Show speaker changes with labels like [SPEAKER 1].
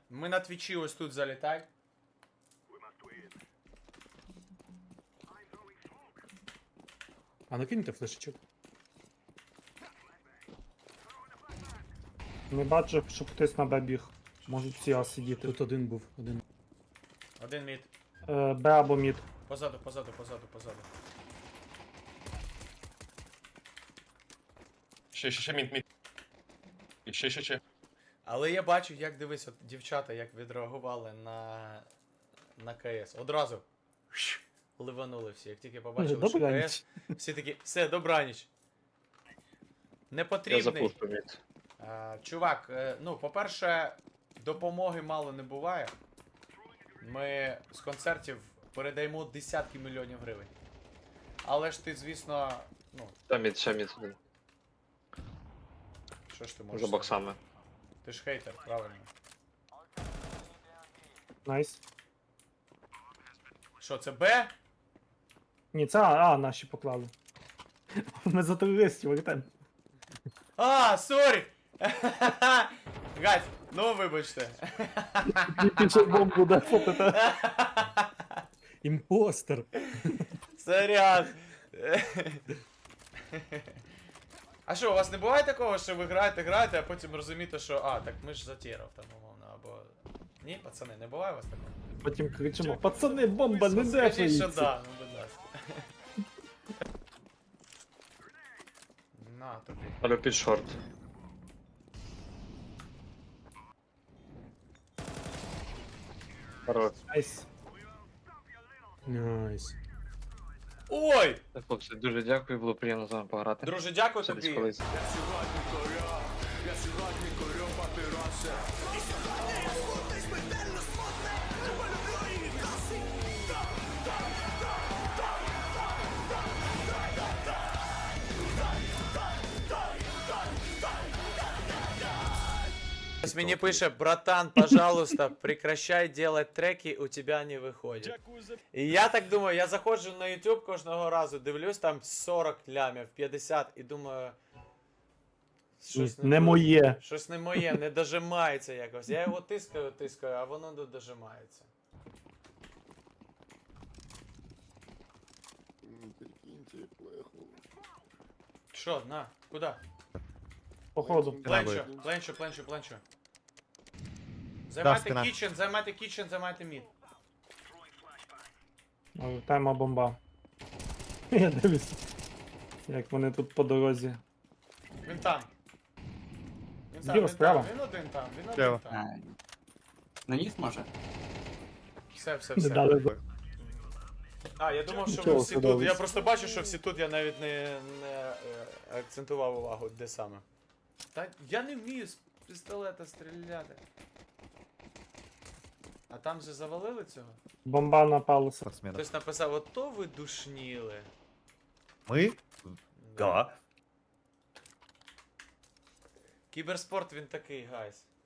[SPEAKER 1] Ми на твічі ось тут залітай.
[SPEAKER 2] А накиньте флешечок.
[SPEAKER 3] Не бачу, щоб хтось на Б біг. Можуть всі А сидіти.
[SPEAKER 2] Тут один був, один.
[SPEAKER 1] Один мід.
[SPEAKER 3] Б або мід.
[SPEAKER 1] Позаду.
[SPEAKER 4] Ще, мід. І ще.
[SPEAKER 1] Але я бачу, як дивись, от дівчата, як відреагували на КС. Одразу ливанули всі. Як тільки побачили, що
[SPEAKER 3] Добраніч.
[SPEAKER 1] КС, всі такі, все, добраніч. Не
[SPEAKER 4] Я
[SPEAKER 1] потрібний.
[SPEAKER 4] запушку мід.
[SPEAKER 1] Чувак, ну, по-перше, допомоги мало не буває. Ми з концертів передаємо десятки мільйонів гривень. Але ж ти, звісно, ну,
[SPEAKER 4] Ще мід.
[SPEAKER 1] що ж ти можеш
[SPEAKER 4] За
[SPEAKER 1] сказати?
[SPEAKER 4] боксами.
[SPEAKER 1] Ти ж хейтер, правильно.
[SPEAKER 3] Найс.
[SPEAKER 1] Що, це Б?
[SPEAKER 3] Ні, це А наші поклали. Ми за терористів летимо.
[SPEAKER 1] А, сорі! Гать, ну вибачте.
[SPEAKER 3] Більше бомбу да фотите.
[SPEAKER 2] Імпостер!
[SPEAKER 1] Сорян. А що, у вас не буває такого, що ви граєте, а потім розумієте, що так ми ж затірав там, умовно, або... Ні, пацани, не буває у вас такого?
[SPEAKER 3] Потім кричимо: пацани, бомба не
[SPEAKER 1] Скажіть, що
[SPEAKER 3] дефається.
[SPEAKER 1] да, ну будь ласка. На тобі.
[SPEAKER 4] Але під шорт. Хорош.
[SPEAKER 3] Найс.
[SPEAKER 2] Найс.
[SPEAKER 1] Ой!
[SPEAKER 4] Хлопці, дуже дякую, було приємно з вами пограти.
[SPEAKER 1] Друже, дякую
[SPEAKER 4] Ще десь
[SPEAKER 1] тобі.
[SPEAKER 4] колись.
[SPEAKER 1] Сейчас мне пишет: братан, пожалуйста, прекращай делать треки, у тебя не выходит. І я так думаю, я заходжу на YouTube кожного разу, дивлюсь там 40 лямів, 50 і думаю. Щось
[SPEAKER 3] Не моє.
[SPEAKER 1] Щось не моє, не дожимається якось. Я його тискаю, а воно не дожимається.
[SPEAKER 5] Прикиньте, плеху.
[SPEAKER 1] Що, на, куди?
[SPEAKER 3] Походу.
[SPEAKER 1] Пленчу. Займайте
[SPEAKER 6] стіна.
[SPEAKER 1] кічен, займайте мід.
[SPEAKER 3] Тема бомба. Я дивлюсь, як вони тут по дорозі.
[SPEAKER 1] Він там.
[SPEAKER 3] Зліва, справа.
[SPEAKER 1] Він один там.
[SPEAKER 6] Справа.
[SPEAKER 7] Наніс може?
[SPEAKER 3] Не
[SPEAKER 1] Все.
[SPEAKER 3] дали.
[SPEAKER 1] Я думав, що ви
[SPEAKER 3] Нічого,
[SPEAKER 1] всі тут.
[SPEAKER 3] судовий.
[SPEAKER 1] Я просто бачу, що всі тут, я навіть не акцентував увагу, де саме. Та я не вмію з пістолета стріляти. А там же завалили цього?
[SPEAKER 3] Бомба на палуса.
[SPEAKER 6] Спортсмена.
[SPEAKER 1] Хтось написав: ото ви душніли.
[SPEAKER 6] Мы? Да.
[SPEAKER 1] Кіберспорт він такий, гайс.